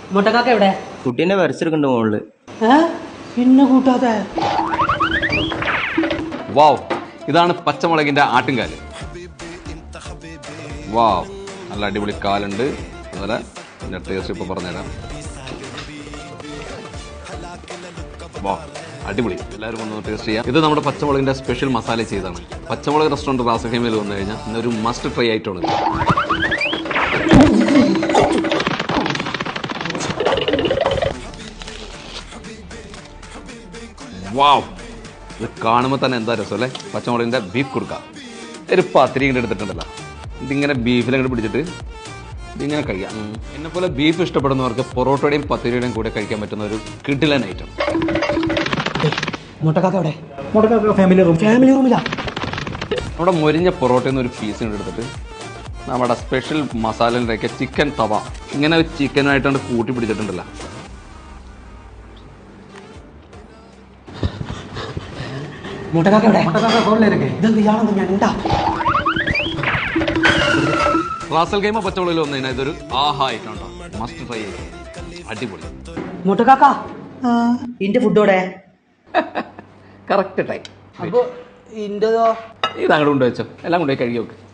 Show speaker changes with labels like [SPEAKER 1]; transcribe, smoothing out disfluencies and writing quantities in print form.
[SPEAKER 1] മുട്ടക്കാക്ക എവിടെ?
[SPEAKER 2] കുട്ടീനെ വരച്ചെടുക്കണ്ട മുകളില്.
[SPEAKER 1] പിന്നെ കൂട്ടാതെ.
[SPEAKER 3] വാവ്, ഇതാണ് പച്ചമുളകിന്റെ ആട്ടുംകാല്. വാവ്, നല്ല അടിപൊളി കാലുണ്ട്. അതുപോലെ ഇതിന്റെ ടേസ്റ്റ് ഇപ്പൊ പറഞ്ഞുതരാം. വാവ്, അടിപൊളി. എല്ലാവരും ഒന്ന് ടേസ്റ്റ് ചെയ്യാം. ഇത് നമ്മുടെ പച്ചമുളകിന്റെ സ്പെഷ്യൽ മസാല ചെയ്താണ്. പച്ചമുളക് റെസ്റ്റോറൻറ്റ് റാസൽ ഖൈമയിൽ വന്നു കഴിഞ്ഞാൽ ഇന്നൊരു മസ്റ്റ് ട്രൈ ആയിട്ടാണ്. വാവ്, ഇത് കാണുമ്പോൾ തന്നെ എന്താ രസം അല്ലേ? പച്ചമുളകിന്റെ ബീഫ് കുറുക്ക. ഒരു പത്തിരി ഇങ്ങോട്ട് എടുത്തിട്ടുണ്ടല്ലോ, ഇതിങ്ങനെ ബീഫിലങ്ങോട്ട് പിടിച്ചിട്ട് ഇതിങ്ങനെ കഴിക്കാം. എന്നെ പോലെ ബീഫ് ഇഷ്ടപ്പെടുന്നവർക്ക് പൊറോട്ടയുടെയും പത്തിരിയുടെയും കൂടെ കഴിക്കാൻ പറ്റുന്ന ഒരു കിടിലൻ ഐറ്റം.
[SPEAKER 1] മുട്ടക്കാക്ക എവിടെ? മുട്ടക്കാക്ക ഫാമിലി റൂമിലാ.
[SPEAKER 3] നമ്മുടെ മൊരിഞ്ഞ പൊറോട്ടയിൽ നിന്ന് ഒരു പീസ് എടുത്തിട്ട് നമ്മുടെ സ്പെഷ്യൽ മസാലയിലേക്ക് ചിക്കൻ തവ ഇങ്ങനെ ചിക്കനായിട്ടാണ് കൂട്ടി പിടിച്ചിട്ടുണ്ടല്ലോ. റാസൽ ഖൈമ പച്ചമുളകിൽ വന്നു കഴിഞ്ഞാൽ ഇതൊരു ആഹാ ആയിട്ടുണ്ടോ, മസ്റ്റ് ട്രൈ ചെയ്ത്. അടിപൊളി.
[SPEAKER 1] മുട്ടക്കാക്ക ഇന്റെ ഫുഡോടെ
[SPEAKER 3] കറക്റ്റ് ടൈം.
[SPEAKER 1] അപ്പൊ ഇന്റതോ?
[SPEAKER 3] ഇത് അങ്ങോട്ട് കൊണ്ടുവച്ചോ, എല്ലാം കൊണ്ടുപോയി കഴുകി വെക്ക്.